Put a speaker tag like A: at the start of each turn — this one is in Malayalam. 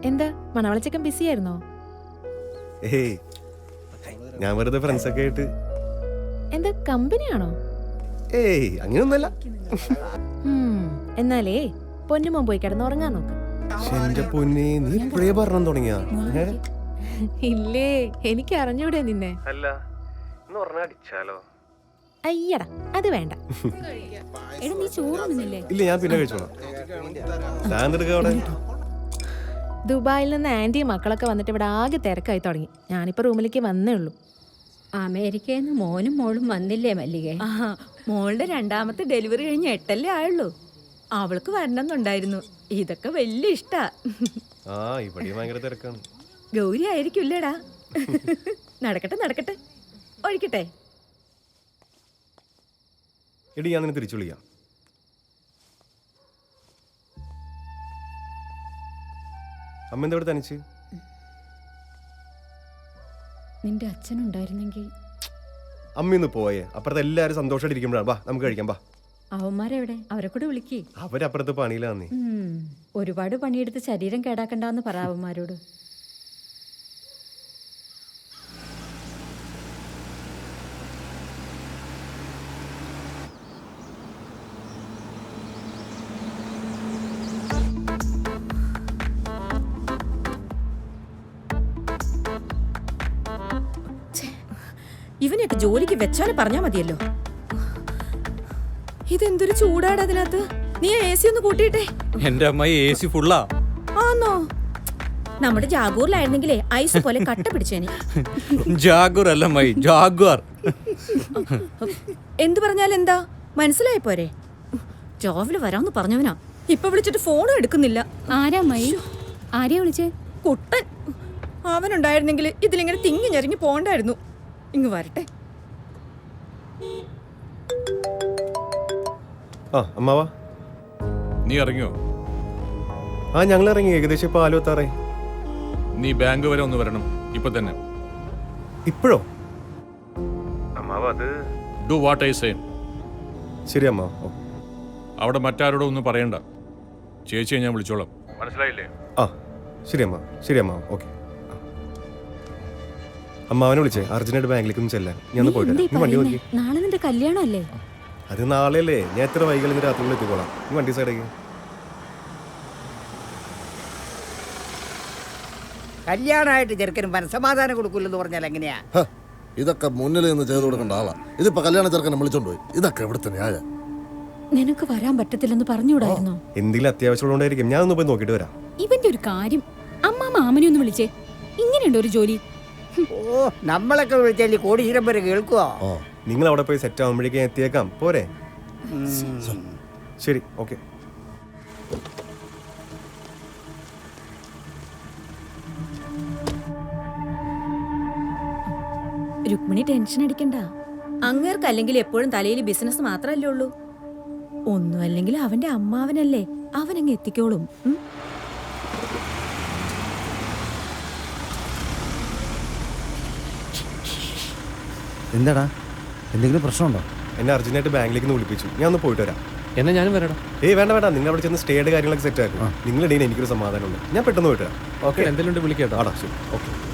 A: എന്താ മണവളച്ചക്കൻ ബിസി ആയിരുന്നോ?
B: ഏയ് ഞാൻ വെറുതെ ഫ്രണ്ട്സ് ഒക്കെ ആയിട്ട്.
A: എന്താ കമ്പനിയാണോ?
B: ഏയ് അങ്ങനെയൊന്നുമല്ല.
A: എന്നാലേ പൊന്നുമോൻ പോയി കിടന്ന് ഉറങ്ങാൻ നോക്ക്.
B: എന്റെ പൊന്നെ, നീ ഇപ്പഴേ പറഞ്ഞു തുടങ്ങിയാ?
A: ഇല്ലേ, എനിക്ക് അറിഞ്ഞൂടെ നിന്നെ.
B: അല്ല അടിച്ചാലോ?
A: അയ്യടാ, അത് വേണ്ട.
C: നീ ചോറൊന്നുമില്ലേ?
B: ഇല്ല, ഞാൻ പിന്നെ കഴിച്ചോളാം.
A: ദുബായിൽ നിന്ന് ആന്റിയും മക്കളൊക്കെ വന്നിട്ട് ഇവിടെ ആകെ തിരക്കായി തുടങ്ങി. ഞാനിപ്പോ റൂമിലേക്ക് വന്നേ ഉള്ളൂ.
C: അമേരിക്കയിൽ നിന്ന് മോനും മോളും വന്നില്ലേ മല്ലികേ?
D: മോളുടെ രണ്ടാമത്തെ ഡെലിവറി കഴിഞ്ഞ് 8 ആയുള്ളൂ. അവൾക്ക് വരണമെന്നുണ്ടായിരുന്നു. ഇതൊക്കെ വലിയ ഇഷ്ടാ.
B: ഭയങ്കര തിരക്കാണ്.
D: ഗൗരി ആയിരിക്കില്ലേടാ? നടക്കട്ടെ നടക്കട്ടെ, ഒഴിക്കട്ടെ.
B: എടി, ഞാൻ നിന്നെ തിരിച്ചു വിളിക്കാം. അമ്മ എന്താ ഇവിടെ തനിച്ച്?
C: നിന്റെ അച്ഛനുണ്ടായിരുന്നെങ്കിൽ.
B: അമ്മ ഇന്ന് പോയേ. അപ്പുറത്ത് എല്ലാരും സന്തോഷമായിട്ട് ഇരിക്കുമ്പോഴാണ്. വാ, നമുക്ക് കഴിക്കാം. വാ.
C: അവന്മാരെവിടെ? അവരെ കൂടെ വിളിക്കേ.
B: അവരപ്പുറത്ത് പണിയിലാന്നേ.
C: ഒരുപാട് പണിയെടുത്ത് ശരീരം കേടാക്കണ്ടെന്ന് പറ അവന്മാരോട്.
D: ഇവനെയൊക്കെ ജോലിക്ക് വെച്ചാലും പറഞ്ഞാ മതിയല്ലോ. ഇതെന്തൊരു ചൂടാണ് അതിനകത്ത്. നീ AC ഒന്ന് കൂട്ടിയിട്ടെ.
E: എന്റെ അമ്മായി AC ഫുള്ളാ.
D: ആന്നോ? നമ്മുടെ ജാഗൂറിലായിരുന്നെങ്കിലേ ഐസ് പോലെ കട്ട പിടിച്ചേനെ.
E: ജാഗുർ അല്ല അമ്മായി, ജാഗ്വാർ.
D: എന്തു പറഞ്ഞാൽ എന്താ? മനസ്സിലായി പോരെ? രാവിലെ വരാന്ന് പറഞ്ഞവനാ, ഇപ്പൊ വിളിച്ചിട്ട് ഫോണും എടുക്കുന്നില്ല.
C: ആരാ അമ്മായി? ആരെയാ വിളിച്ചേ?
D: കുട്ടൻ. അവനുണ്ടായിരുന്നെങ്കിൽ ഇതിലിങ്ങനെ തിങ്ങി ഞെറിഞ്ഞു പോണ്ടായിരുന്നു. ഇങ്ങ് വരട്ടെ.
B: അമ്മാവാ,
F: നീ ഇറങ്ങിയോ?
B: ഞങ്ങൾ ഇറങ്ങി. ഏകദേശം ഇപ്പൊ 6:46.
F: നീ ബാങ്ക് വരെ ഒന്ന് വരണം ഇപ്പൊ തന്നെ.
B: ഇപ്പോഴോ? അമ്മാവാ, അത്
F: ഡു വാട്ട് ഐ സേ.
B: ശരി അമ്മ.
F: അവിടെ മറ്റാരോടും ഒന്നും പറയണ്ട. ചേച്ചിയെ ഞാൻ വിളിച്ചോളാം. മനസ്സിലായില്ലേ?
B: ശരി അമ്മ. ശരി അമ്മ. ഓക്കെ. അമ്മാവനെ വിളിച്ചേ. അർജന്റായിട്ട് ബാങ്കിലേക്ക് ഒന്ന് ചെല്ലാൻ. ഞാൻ പോയിട്ട് വണ്ടി നോക്കി.
C: നാളെ നിന്റെ കല്യാണം അല്ലേ?
B: അത് നാളെയല്ലേ. ഞാൻ എത്ര വൈകി രാത്രി എത്തിക്കോളാം. വണ്ടി സൈഡേക്ക്.
G: കല്യാണമായിട്ട് ചെറുക്കനും മനസ്സമാധാനം കൊടുക്കില്ലെന്ന് പറഞ്ഞാൽ എങ്ങനെയാ?
H: ഇതൊക്കെ മുന്നിൽ നിന്ന് ചെയ്തു കൊടുക്കേണ്ട ആളാ. ഇതിപ്പോ കല്യാണ ചെറുക്കനെ വിളിച്ചോണ്ട് പോയി. ഇതൊക്കെ എവിടുത്തെ ന്യായം?
C: നിനക്ക് വരാൻ പറ്റത്തില്ലെന്ന് പറഞ്ഞുകൂടായിരുന്നോ?
B: എന്തെങ്കിലും അത്യാവശ്യമുണ്ടായിരിക്കും. ഞാൻ ഒന്ന് പോയി നോക്കിട്ട് വരാം.
C: ഇവന്റെ ഒരു കാര്യം. അമ്മ മാമനെ ഒന്ന് വിളിച്ചേ. ഇങ്ങനെയുണ്ടോ ഒരു ജോലി?
G: നമ്മളൊക്കെ വിളിച്ചാൽ കോടീശ്വരം വരെ കേൾക്കുവോ?
B: നിങ്ങൾ അവിടെ പോയി സെറ്റ് ആവുമ്പോഴേക്കും എത്തിയേക്കാം. പോരെ? ശരി, ഓക്കെ.
C: രുക്മിണി ടെൻഷൻ അടിക്കണ്ട.
D: അങ്ങേർക്ക് അല്ലെങ്കിൽ എപ്പോഴും തലയിൽ ബിസിനസ് മാത്രല്ലേ ഉള്ളൂ. ഒന്നും അല്ലെങ്കിൽ അവന്റെ അമ്മാവനല്ലേ, അവനങ്ങ് എത്തിക്കോളും.
I: എന്താടാ, എന്തെങ്കിലും പ്രശ്നമുണ്ടോ?
B: എന്നെ അർജന്റായിട്ട് ബാങ്കിലേക്ക് ഒന്ന് വിളിപ്പിച്ചു. ഞാൻ ഒന്ന് പോയിട്ട് വരാം.
E: എന്നാ ഞാനും വരാടാ.
B: വേണ്ട. നിങ്ങൾ അവിടെ ചെന്ന് സ്റ്റേയുടെ കാര്യങ്ങളൊക്കെ സെറ്റ് ആക്കും. നിങ്ങളുടെ എനിക്കൊരു സമാധാനമുണ്ട്. ഞാൻ പെട്ടെന്ന് പോയിട്ട് വരാം.
E: ഓക്കെ, എന്തെങ്കിലും വിളിക്കാട്ടോ.
B: ശരി, ഓക്കെ.